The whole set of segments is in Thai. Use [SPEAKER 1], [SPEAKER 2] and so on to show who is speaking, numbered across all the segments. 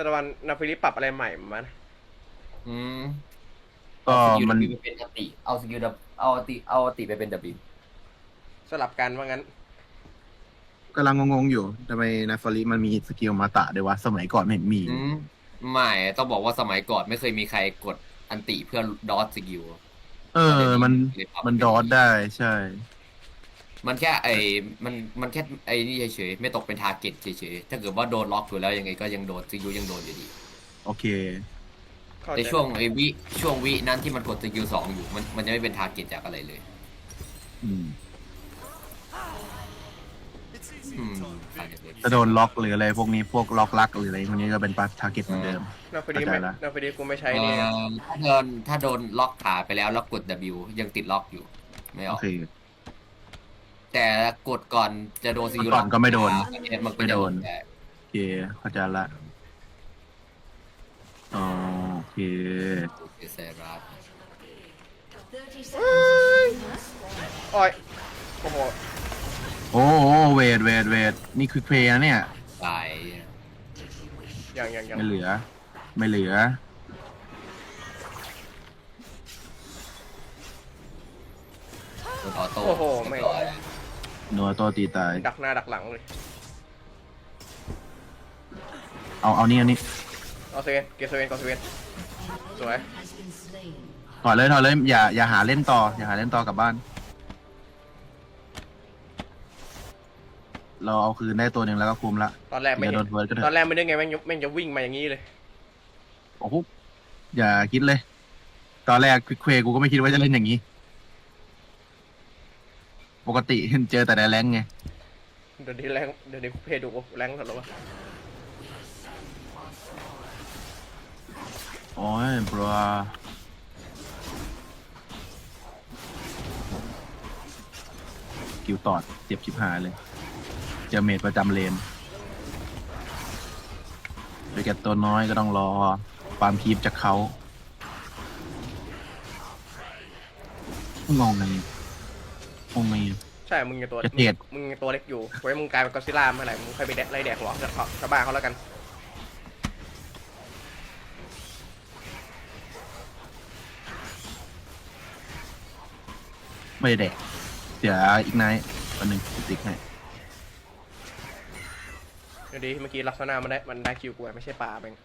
[SPEAKER 1] ตะวันนาฟิลิปปรับอะไรใหม่มั้ย
[SPEAKER 2] อืม
[SPEAKER 3] ก็
[SPEAKER 2] เอาสกิล
[SPEAKER 3] มัน
[SPEAKER 2] W ไปเป็นอติเอาสกิล W เอาอติไปเป็น W
[SPEAKER 1] สลับกันว่างั้น
[SPEAKER 3] กำลังงงๆอยู่ทำไมนาฟาริมันมีสกิลมาตะด้วยวะสมัยก่อนไม่เห็นมี
[SPEAKER 2] อืมไม่ต้องบอกว่าสมัยก่อนไม่เคยมีใครกดอันติเพื่อดอทสกิล
[SPEAKER 3] เออ มันดอทได้ใช่
[SPEAKER 2] มันแค่มันแค่ไอ้นี่เฉยๆไม่ตกเป็นทาร์เก็ตเฉยๆถ้าเกิดว่าโดนล็อกอยู่แล้วยังไงก็ยังโดนสกิลยังโดนอยู่ดี
[SPEAKER 3] โอเค
[SPEAKER 1] เข้า
[SPEAKER 2] ใน
[SPEAKER 1] ใจ
[SPEAKER 2] ช่วงวินั้นที่มันกดสกิล2อยู่มันจะไม่เป็นทาร์เก็ตจากอะไรเลย
[SPEAKER 3] อืม
[SPEAKER 2] อืมอาจจะเป็น
[SPEAKER 3] จะโดนล็อกหรืออะไรพวกนี้พวกล็อกลักหรืออะไรพวกนี้ก็เป็นปัสทาร์เก็ตเหมือนเดิม
[SPEAKER 1] นาฟิลิไม่นาฟิลิกูไม่ใช้นี่
[SPEAKER 2] ถ้าโดนล็อกขาไปแล้วกด W ยังติดล็อกอยู่ไม่อ
[SPEAKER 3] โอ
[SPEAKER 2] อก
[SPEAKER 3] เค
[SPEAKER 2] แต่กดก่อนจะโดนสกิล
[SPEAKER 3] ก่อนก็ไม่โดน
[SPEAKER 2] มันก็
[SPEAKER 3] ไม่
[SPEAKER 2] จะ
[SPEAKER 3] โด
[SPEAKER 2] โด
[SPEAKER 3] น
[SPEAKER 2] นแต่
[SPEAKER 3] โอเคเข้าใจละอ๋อโอเค
[SPEAKER 2] เซรัส
[SPEAKER 1] อ้อยโอ้โห
[SPEAKER 3] โอ้โหเวทนี่คือเพลย์นะเนี่ย
[SPEAKER 2] ตาย
[SPEAKER 1] ยัง
[SPEAKER 3] ไม่เหลือ ไม่เหลือ
[SPEAKER 2] โดนออโต้
[SPEAKER 1] โอ้โหไม่
[SPEAKER 3] นัวตัวตีตาย
[SPEAKER 1] ดักหน้าดักหลังเลย
[SPEAKER 3] เอานี่
[SPEAKER 1] เอาเซเว่นเก็บเซเว่นก่อนเซเว่นสวย
[SPEAKER 3] ถอดเลยอย่าหาเล่นต่อ อย่าหาเล่นต่อกลับบ้าน เราเอาคืนได้ตัวหนึ่งแล้วก็คุมละ
[SPEAKER 1] ตอนแรกไม่
[SPEAKER 3] อย่า
[SPEAKER 1] เห็
[SPEAKER 3] โด
[SPEAKER 1] น
[SPEAKER 3] นเฟิร์สก็เถ
[SPEAKER 1] ตอน
[SPEAKER 3] อะ
[SPEAKER 1] แรกไม่ได้ไงแม่งจะวิ่งมาอย่างนี้เลย
[SPEAKER 3] โอ้โหอย่าคิดเลย ตอนแรกควิกเควกูก็ไม่คิดว่าจะเล่นอย่างนี้ ปกติเจอแต่ในแรงค์ไง
[SPEAKER 1] เดี๋ยวนี้เพจดูแรงแล้ววะ
[SPEAKER 3] โอ้ยบรากิวตอดเจ็บชิบหายเลย เจอเมดประจำเลนไปแกตัวน้อยก็ต้องรอฟาร์มคีปจากเขางงไง
[SPEAKER 1] ใช่มึงยังตัว
[SPEAKER 3] จะเกลียด
[SPEAKER 1] มึงยังตัวเล็กอยู่ไว้มึงกลายเป็นก็อดซิลล่าเมื่อไหร่มึงค่อยไปไล่แดกหัวชาวบ้านเขาแล้วกัน
[SPEAKER 3] ไม่ได้แดกเดี๋ยวอีกไนท์วันหนึ่งติ๊กให้
[SPEAKER 1] เดี๋ยวดีเมื่อกี้ลักษณะมันได้คิวกูไม่ใช่ปลาเอง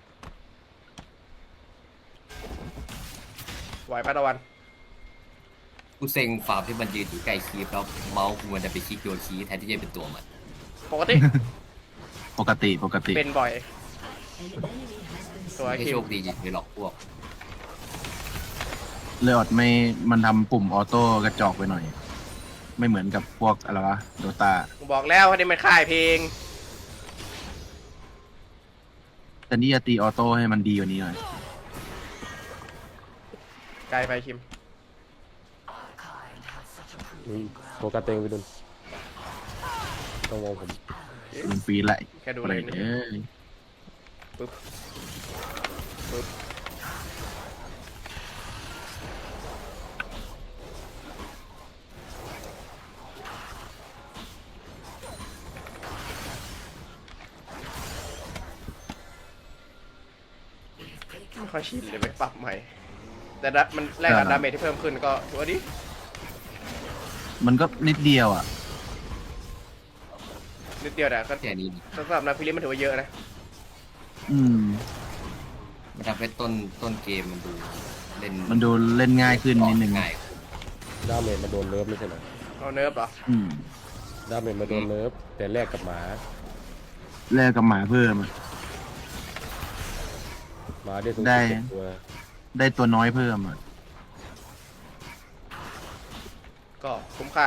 [SPEAKER 1] ไหวปะตะวัน
[SPEAKER 2] กูเซ็งฟาร์มที่มันยืนอยู่ใกล้คีฟแล้วเมาส์กูมันจะไปคลิกโดนคีแทนที่จะเป็นตัวมัน
[SPEAKER 1] ปกติ
[SPEAKER 3] ปกติ
[SPEAKER 1] เป็นบ่อยตัว
[SPEAKER 2] ไม่
[SPEAKER 1] คิ
[SPEAKER 2] โช
[SPEAKER 1] ว
[SPEAKER 2] คดีอย่างไปหลอกพวก
[SPEAKER 3] เลออดไม่มันทำปุ่มออโต้กระจอกไปหน่อย ไม่เหมือนกับพวกอะไรวะโดตา
[SPEAKER 1] กูบอกแล้วว่านี่มันค่ายเพลง
[SPEAKER 3] แต่นี่จะตีออโต้ให้มันดีกว่านี้หน่อย
[SPEAKER 1] ไกลไปคิม
[SPEAKER 4] โฟกัสตัวเองไปดุนต้องมองผม
[SPEAKER 3] มันฟรีแหละ
[SPEAKER 1] แค่ดู
[SPEAKER 3] อะ
[SPEAKER 1] เล
[SPEAKER 3] ไร
[SPEAKER 1] ย
[SPEAKER 3] เอ้ย
[SPEAKER 1] ปึ๊บไม่ค่อยชินเลยไปปรับใหม่ แต่มันแลกกับดาเมจที่เพิ่มขึ้นก็ถือว่าดี
[SPEAKER 3] มันก็นิดเดียวอ่ะ
[SPEAKER 1] นิดเดียวแต่ก็
[SPEAKER 2] แค่นี้
[SPEAKER 1] สำหรับนาฟิลิปมันถือว่าเยอะนะ
[SPEAKER 3] อืม
[SPEAKER 2] มันทำให้ต้นเกมมันดูเล่น
[SPEAKER 3] มันดูเล่นง่ายขึ้นนิดนึง
[SPEAKER 2] ง่าย
[SPEAKER 4] ดาเมจมาโดนเลิฟไม่ใช่เหรอ
[SPEAKER 1] เอาเนิร์ฟเหรอ
[SPEAKER 3] อืม
[SPEAKER 4] ดาเมจมาโดนเลิฟแต่แลกกับหมา
[SPEAKER 3] แลกกับหมาเพิ่มอะ
[SPEAKER 4] หมาได้สูง
[SPEAKER 3] ได้
[SPEAKER 4] สุดตัว
[SPEAKER 3] ได้ตัวน้อยเพิ่มอ่ะ
[SPEAKER 1] ก็คุ้มค่า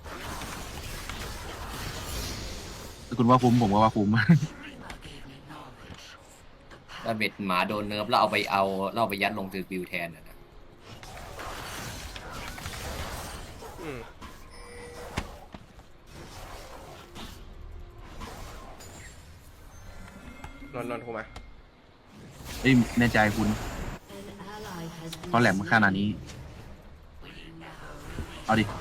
[SPEAKER 3] ถ้าคุณว่าคุ้มผมก็ว่าคุ้ม
[SPEAKER 2] ถ้าเบ็ดหมาโดนเนิร์ฟแล้วเอาไปยัดลงตือบิวแทนนะ
[SPEAKER 1] อืมนอนกูมา
[SPEAKER 3] เอ้ยแน่ใจคุณเพราะแหลมขนาดนี้ เอาดิ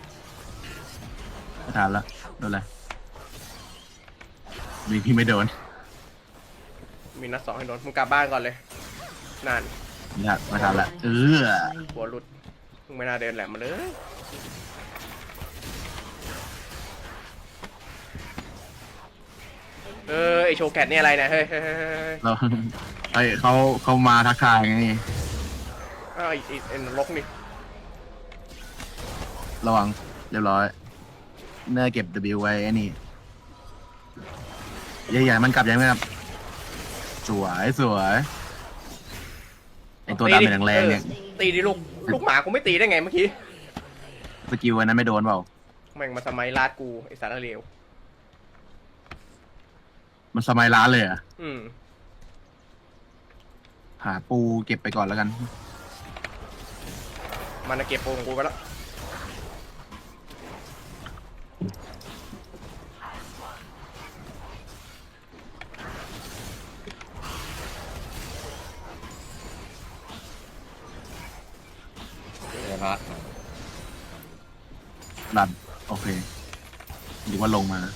[SPEAKER 3] ไม่ทานละโดนอะไรมีพี่ไม่โดน
[SPEAKER 1] มีนัด 2ให้โดนมึงกลับบ้านก่อนเลยนาน
[SPEAKER 3] อยากมาทำละ
[SPEAKER 1] หัวหลุดมึงไม่น่าเดินแหลมมาเลยไอโชว์แกตนี่อะไรเนี่ยเฮ้ย
[SPEAKER 3] เราเขามาทักทายไง
[SPEAKER 1] อ้าวไอ้นรกนี่
[SPEAKER 3] ระวังเรียบร้อยเนื้อเก็บ W ไว้ไอ้นี่ใหญ่ๆมันกลับยังไงครับสวยไอตัวดำเป็นแรงๆเนี่ย
[SPEAKER 1] ตีดิลูกหมากูไม่ตีได้ไงเมื่อกี้
[SPEAKER 3] สกิลอันนั้นไม่โดนเปล่า
[SPEAKER 1] แม่งมาสมัยลาดกูไอสารเลว
[SPEAKER 3] มันสมัยร้านเลยเหรอ่ะ
[SPEAKER 1] อืม
[SPEAKER 3] หาปูเก็บไปก่อนแล้วกัน
[SPEAKER 1] มันเก็บโปงกูไปแล้ว
[SPEAKER 2] เดี๋ยวนะ
[SPEAKER 3] ดันโอเคหรือว่าลงมา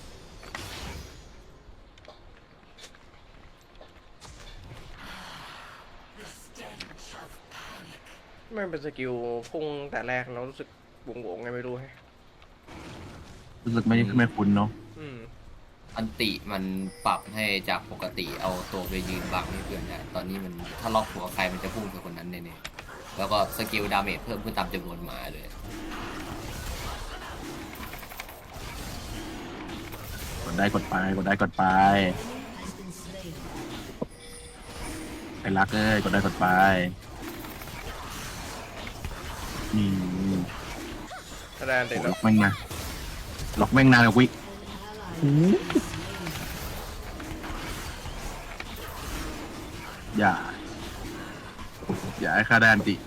[SPEAKER 1] ไม่เป็นสกิลพุ่งแต่แรกเรารู้สึกวงไงไม่รู้ให้
[SPEAKER 3] รู้สึกไม่คุ้นเนาะ
[SPEAKER 1] อืม
[SPEAKER 2] อันติมันปรับให้จากปกติเอาตัวไปยืนบังให้เพื่อนได้ตอนนี้มันถ้าล็อกหัวใครมันจะพุ่งใส่คนนั้นแน่ๆแล้วก็สกิลดาเมจเพิ่มขึ้นตามจำนวนหมาเลย
[SPEAKER 3] กดได้กดไปไอ้รักเอ้ยกดได้กดไปนี่
[SPEAKER 1] แสดงติด
[SPEAKER 3] ล็
[SPEAKER 1] แล้ว
[SPEAKER 3] อกแม่งนะล็อกแม่งนานกว่าวิอย่าให้ค่าได้อันติ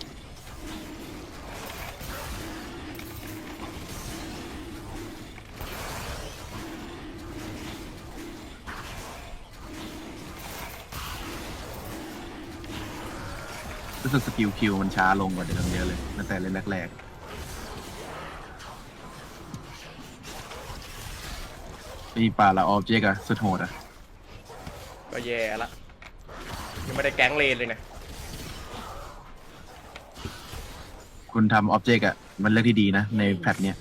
[SPEAKER 3] รู้สึกสกิลคิวมันช้าลงกว่าเดิมเยอะเลยตั้งแต่เล่นแรกๆมีป่าละออบเจกต์อะสุดโหดอะ
[SPEAKER 1] ก็แย่ละยังไม่ได้แก๊งเลนเลยนะ
[SPEAKER 3] คุณทำออบเจกต์อะมันเลือกที่ดีนะในแพทเนี้ย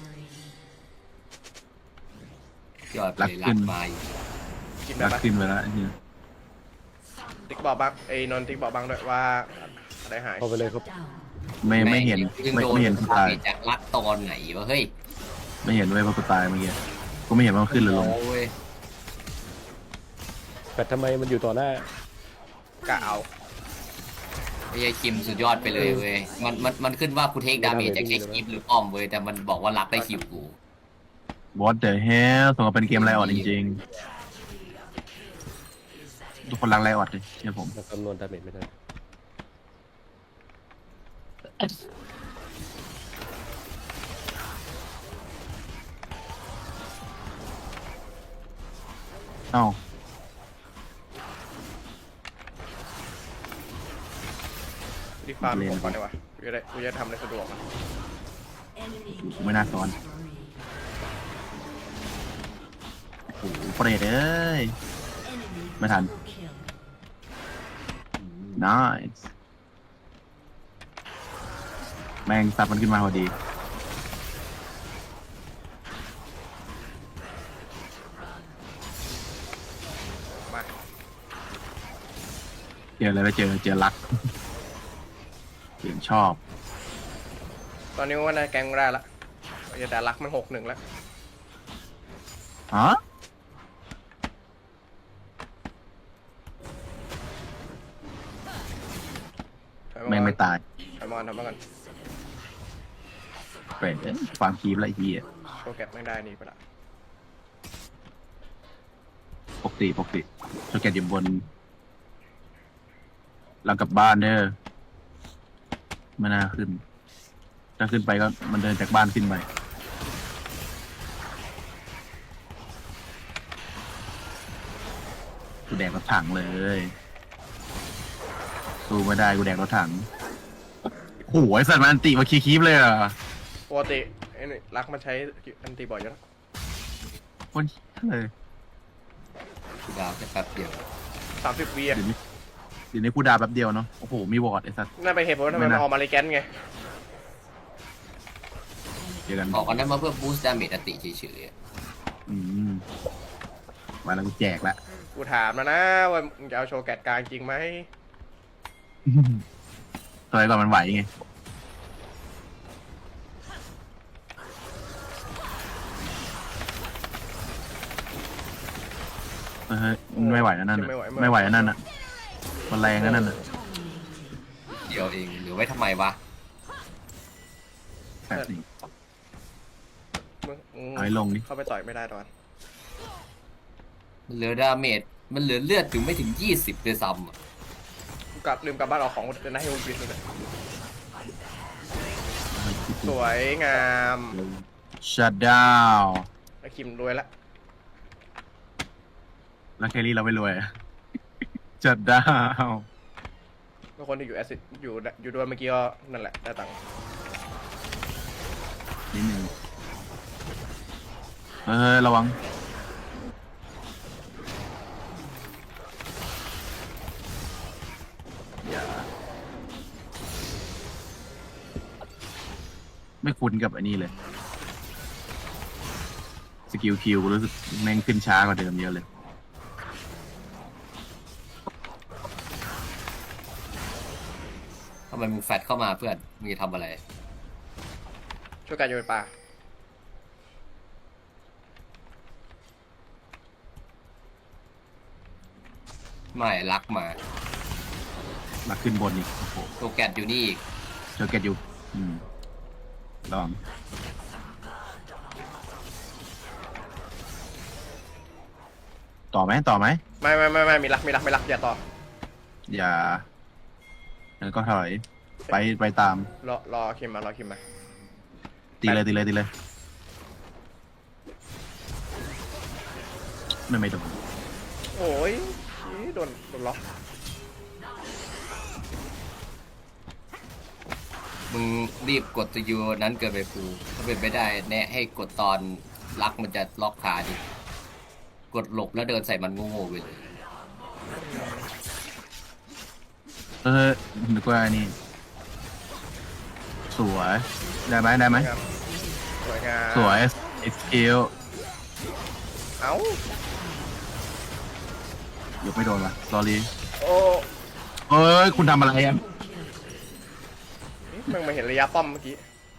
[SPEAKER 2] ยอด
[SPEAKER 3] รั
[SPEAKER 2] เล
[SPEAKER 3] ก
[SPEAKER 2] ย
[SPEAKER 3] ขึ้
[SPEAKER 2] รั
[SPEAKER 3] น
[SPEAKER 2] กมาอีก
[SPEAKER 1] กินได้
[SPEAKER 3] รัก
[SPEAKER 1] ปะ
[SPEAKER 3] ขึ้นไปแล้วไอ้เหี้ย
[SPEAKER 1] ติ๊กบอกบ้างไอ้นนท์ติ๊กบอกบ้างด้วยว่าอะไรหาย
[SPEAKER 4] เข้าไปเลยครับ
[SPEAKER 3] ไม่เห็น
[SPEAKER 2] ยัง
[SPEAKER 3] ไม่
[SPEAKER 2] โดน
[SPEAKER 3] เห็นกูตาย
[SPEAKER 2] จากรักตอนไหนวะเฮ้ย
[SPEAKER 3] ไม่เห็นว่ากูตายเมื่อกี้กูไม่เห็นว่ามันขึ้นหรือลง
[SPEAKER 2] โอ้ย
[SPEAKER 4] แต่ทำไมมันอยู่ต่อหน้า
[SPEAKER 1] กะเอา
[SPEAKER 2] ไอ้คิมสุดยอดไปเลยเว้ยมันขึ้นว่ากูเทคดาเมจจากแค่คลิปหรือป้อมเว้ยแต่มันบอกว่ารักได้คิวกู
[SPEAKER 3] What the hell ส่งมาเป็นเกมไรออดจริงๆทุกคนรักไรออดเลยเชื่อผม
[SPEAKER 4] มันคำนวณดาเมจไม่ได้
[SPEAKER 3] เอ้า
[SPEAKER 1] รีฟาร์มผมก่อนดีกว่ากูจะทำอะไรสะดวกอะ
[SPEAKER 3] กูไม่น่าซ้อนโอ้โหเปรตเอ้ยไม่ทัน nice แม่งซับมันขึ้นมาพอดี
[SPEAKER 1] มา
[SPEAKER 3] เจออะไรไปเจอรักเสียงชอบ
[SPEAKER 1] ตอนนี้ว่าได้แก๊งได้ละแต่รักมัน6-1แล้ว
[SPEAKER 3] ฮะแม่งไม่ตาย
[SPEAKER 1] ทำมากัน
[SPEAKER 3] เปรตความคีบไรทีอ่ะ
[SPEAKER 1] โปรแกรมไม่ได้นี่ไปละ
[SPEAKER 3] ปกติโชเกตอยู่บนหลังกลับบ้านเด้อไม่น่าขึ้น ถ้าขึ้นไปก็มันเดินจากบ้านขึ้นไปกูแดกรถถังเลยสู้ไม่ได้กูแดกรถถังโอ้โหไอ้สัตว์มันอันติมาคีบเลยอ่ะ
[SPEAKER 1] ปกติไอ้นี่รักมันใช้อันตีบ่อยอยู่แล้ว
[SPEAKER 3] คนเลย
[SPEAKER 2] กูดาวแค่แป๊บเดียว
[SPEAKER 1] 30วิอ่ะ
[SPEAKER 3] เดี๋ยวนี้กูดาแป๊บเดียวเนาะโอ้โหมีวอร์ดไอ้สัส
[SPEAKER 1] นั่นเป็นเหตุผลว่าทำไม
[SPEAKER 3] ไม่
[SPEAKER 1] มัน
[SPEAKER 3] นะ
[SPEAKER 1] ออกมาเลแกนไง
[SPEAKER 3] เจอกัน
[SPEAKER 2] ออกอันนั้นมาเพื่อบูสต์ดาเมจอติเฉยๆอะ
[SPEAKER 3] อืมมาแล้วกูแจกละ
[SPEAKER 1] กูถามแล้วนะว่ามึงจะเอาโชว์แกดกลางจริงไหม
[SPEAKER 3] ตอนแรกก่อนมันไหวไงไม่ไหวแล้วนั่นน่ะไม่ไหวแล้วนั่นน่ะมันแรงแล้วนั่นน่ะ
[SPEAKER 2] เดียวเองหรือไว้ทำไมวะ
[SPEAKER 3] แบบนี้
[SPEAKER 1] มึง
[SPEAKER 3] เอาให้ลงดิ
[SPEAKER 1] เข้าไปต่อยไม่ได้ตอน
[SPEAKER 2] มันเหลือดาเมจมันเหลือเลือดถึงไม่ถึง20ด้วยซ้ำอะ
[SPEAKER 1] กูกลับลืมกลับบ้านเอาของจะได้ให้มึงบิดเลยสวยงาม
[SPEAKER 3] ชัดดาว
[SPEAKER 1] แล้วคิมรวยละ
[SPEAKER 3] แล้วแครี่เราไม่รวยอะ ชัดดาว
[SPEAKER 1] แล้วคนที่อยู่แอซิดอยู่ด้วยเมื่อกี้ก็นั่นแหละได้ตังค์
[SPEAKER 3] นิดนึงระวังอย่าไม่คุ้นกับอันนี้เลย สกิลคิวกูรู้สึกแม่งขึ้นช้ากว่าเดิมเยอะเลย
[SPEAKER 2] ทำไมมึงแฟดเข้ามาเพื่อนมึงจะทำอะไร
[SPEAKER 1] ช่วยกันโยนปลา
[SPEAKER 2] ไม่รักมา
[SPEAKER 3] มาขึ้นบนอีกโอ้โห
[SPEAKER 2] ตัวแกดอยู่นี่อีก
[SPEAKER 3] เจอเกตอยู่ลองต่อไหม
[SPEAKER 1] ไม่มีรักอย่าต่อ
[SPEAKER 3] อย่าแล้วก็ถอยไปตาม
[SPEAKER 1] รอคิมมา
[SPEAKER 3] ตีเลยไม่โดน
[SPEAKER 1] โอ้ยโดนล็อก
[SPEAKER 2] มึงรีบกดสกิลนั้นเกินไปฟูถ้าเป็นไม่ได้แนะให้กดตอนรักมันจะล็อกขาดิกดหลบแล้วเดินใส่มันโง่ๆไปเลย
[SPEAKER 3] นึกว่านี่สวยได้ไหม
[SPEAKER 1] สวยงาม
[SPEAKER 3] สวยเอ็กซ์คิว
[SPEAKER 1] เอ้าย
[SPEAKER 3] กไม่โดนว่ะ sorry
[SPEAKER 1] โอ้
[SPEAKER 3] เอ้ยคุณทำอะไรอ่ะ
[SPEAKER 1] มึงมาเห็นระยะป้อมเมื่อกี้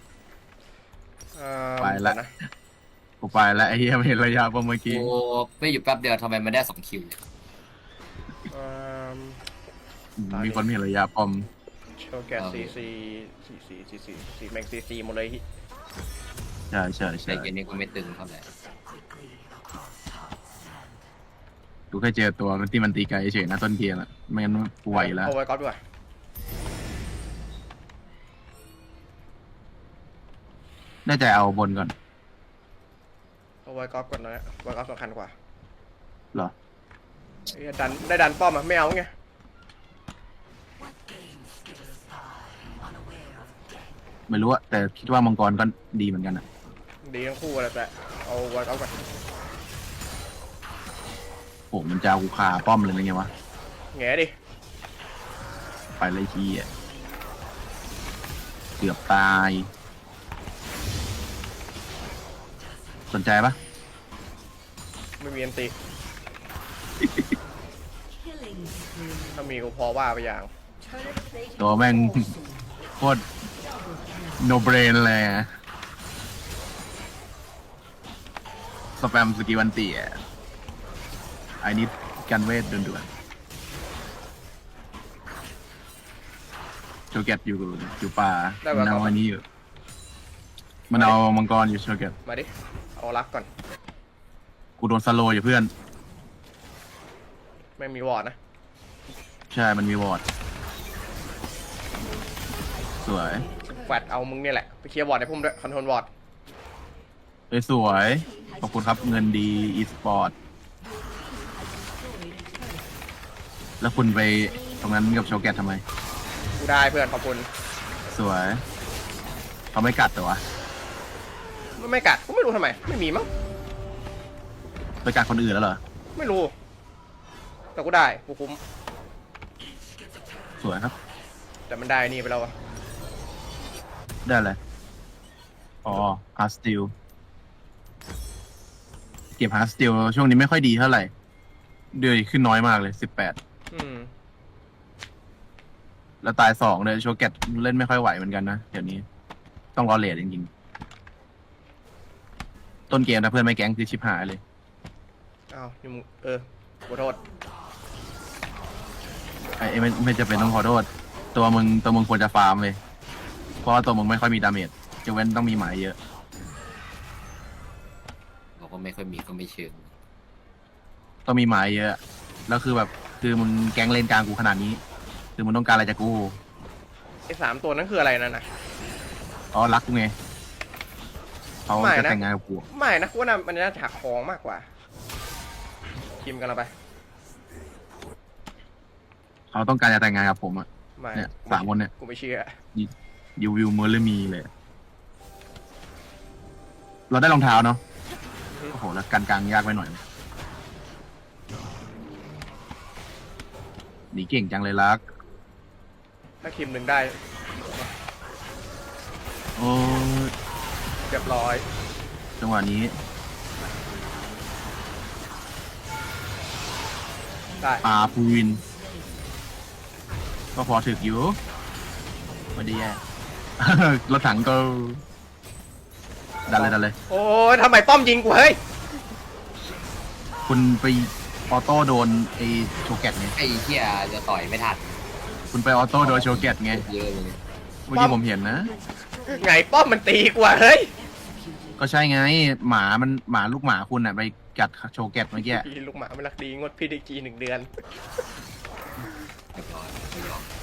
[SPEAKER 3] ไปละ
[SPEAKER 1] นะ
[SPEAKER 3] กูไปแล้วไอ้เหี้ยไม่เห็นระยะป่ะเมื่อกี้
[SPEAKER 2] โอ้ไม่อยู่แป๊บเดียวทำไมมันได้2คิวเนี่ย
[SPEAKER 1] เอิ่ม
[SPEAKER 3] มีคนไม่เห็นระยะปอม
[SPEAKER 1] โชว์แกซีแม็กซีหมดเลย
[SPEAKER 3] ใช่
[SPEAKER 2] แต่เกมนี้ก็ไม่ตึงเท่าไหร่
[SPEAKER 3] กูแค่เจอตัวที่มันตีไกลเฉยนะต้นเกมอ่ะไม่งั้นกูไหวอยู่แล้ว
[SPEAKER 1] เอาไว้ก๊อฟด้วย
[SPEAKER 3] น่าจะเอาบนก่อน
[SPEAKER 1] เอาไว้ก๊อฟก่อนนะไว้ก๊อฟสำคัญกว่า
[SPEAKER 3] เหรอ
[SPEAKER 1] ไอ้ดันป้อมอ่ะไม่เอาไง
[SPEAKER 3] ไม่รู้อะแต่คิดว่ามังกรก็ดีเหมือนกันอะ
[SPEAKER 1] ดีทั้งคู่เลยแต่เอาไว้ก๊อฟก่อน
[SPEAKER 3] โหมันจะเอากูคาป้อมเลยนะไงวะ
[SPEAKER 1] แง่ดิ
[SPEAKER 3] ไปเลยทีอ่ะเกือบตาย สนใจปะ
[SPEAKER 1] ไม่มีอันติถ้ามีกูพอว่าไปอย่าง
[SPEAKER 3] ตัวแม่ง โคตรโนเบรนเลยอะสแปมสกิลวันตีอ่ะไอ้นิดกันเวทด่วนๆโชเกตอยู่ป่ามันเอาอันนี้อยู่มันเอามังกรอยู่โชเกต
[SPEAKER 1] มาดิเอารักก่อน
[SPEAKER 3] กูโดนสโลว์อยู่เพื่อน
[SPEAKER 1] ไม่มีวอร์ดนะ
[SPEAKER 3] ใช่มันมีวอร์ดสวย
[SPEAKER 1] แฟดเอามึงเนี่ยแหละไปเคลียร์วอร์ดให้พุ่มด้วยคอนโทรลวอร์ด
[SPEAKER 3] สวยขอบคุณครับเงินดีอีสปอร์ตแล้วคุณไปตรงนั้นกับโชเกตทำไม
[SPEAKER 1] กูได้เพื่อนขอบคุณ
[SPEAKER 3] สวยเขาไม่กัดแต่วะ
[SPEAKER 1] ไม่กัดกูไม่รู้ทำไมไม่มีมั้ง
[SPEAKER 3] ไปกัดคนอื่นแล้วเหรอ
[SPEAKER 1] ไม่รู้แต่กูได้กูคุ้ม
[SPEAKER 3] สวยครับ
[SPEAKER 1] แต่มันได้นี่ไปแล้วอะ
[SPEAKER 3] ได้เลยอ๋อฮาร์สติลเก็บฮาร์สติลช่วงนี้ไม่ค่อยดีเท่าไหร่เดือนขึ้นน้อยมากเลย18
[SPEAKER 1] อืม
[SPEAKER 3] แล้วตาย2เลยโชเกตเล่นไม่ค่อยไหวเหมือนกันนะเดี๋ยวนี้ต้องรอเลทจริงๆต้นเกมนะเพื่อนไม่แก๊งคือชิบหายเลย
[SPEAKER 1] อ้าวนี่มึงขอโทษ
[SPEAKER 3] ไอ้ไม่จะเป็นต้องขอโทษตัวมึงควรจะฟาร์มเลยเพราะว่าตัวมึงไม่ค่อยมีดาเมจจะเว้นต้องมีหมายเยอะ
[SPEAKER 2] เราก็ไม่ค่อยมีก็ไม่เชิง
[SPEAKER 3] ต้องมีหมายเยอะ แล้วคือแบบคือมึงแก๊งเลนกลางกูขนาดนี้ คือมึงต้องการอะไรจากกู
[SPEAKER 1] ไอ้3 ตัวนั้นคืออะไรนั่นนะ
[SPEAKER 3] อ๋อรักกูไงเขา
[SPEAKER 1] ไม่
[SPEAKER 3] จะ
[SPEAKER 1] นะ
[SPEAKER 3] แต่งงานกับกู
[SPEAKER 1] ไม่นะกูว่ามันน่าจะหักคองมากกว่าคิมกันเราไป
[SPEAKER 3] เขาต้องการจะแต่งงานกับผมอะ
[SPEAKER 1] ไม่
[SPEAKER 3] เนี่ย3 คนเนี่ย
[SPEAKER 1] กูไม่เชื่อ
[SPEAKER 3] ยูวิวเมอร์เลมีเลย เราได้รองเท้าเนาะโอ้โหแล้วการกลางยากไปหน่อยหนีเก่งจังเลยรัก
[SPEAKER 1] ถ้าคิมหนึ่งได้
[SPEAKER 3] โอ้ย
[SPEAKER 1] เรียบร้อย
[SPEAKER 3] จังหวะนี้
[SPEAKER 1] ได้
[SPEAKER 3] พูวิน ก็พอถึกอยู่ไม่ได้แย่ รถถังก็ดันเลย
[SPEAKER 1] โอ้ยทำไมป้อมยิงกูเฮ้ย
[SPEAKER 3] คุณไปออโต้โดนไอโชเกตไง
[SPEAKER 2] ไอ้เหี้ยจะต่อยไม่ทัน
[SPEAKER 3] คุณไปออโต้โดนโชเกตไง
[SPEAKER 2] เยอะเลย
[SPEAKER 3] เมื่อกี้ผมเห็นนะ
[SPEAKER 1] ไงป้อมมันตีกูอะเฮ้ย
[SPEAKER 3] ก็ใช่ไงหมาลูกหมาคุณอะไปกัดโชเกตเมื่อกี้
[SPEAKER 1] พี่ลูกหมาไม่รักดีงดพีดีจี1 เดือน
[SPEAKER 2] เรียบร้อยไม่ยอม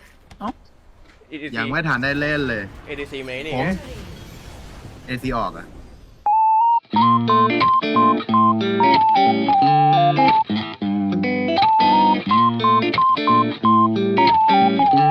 [SPEAKER 1] EDC
[SPEAKER 3] ยังไม่ทันได้เล่นเลย
[SPEAKER 1] ADC ไหมนี่
[SPEAKER 3] ผมเอซีออกอะ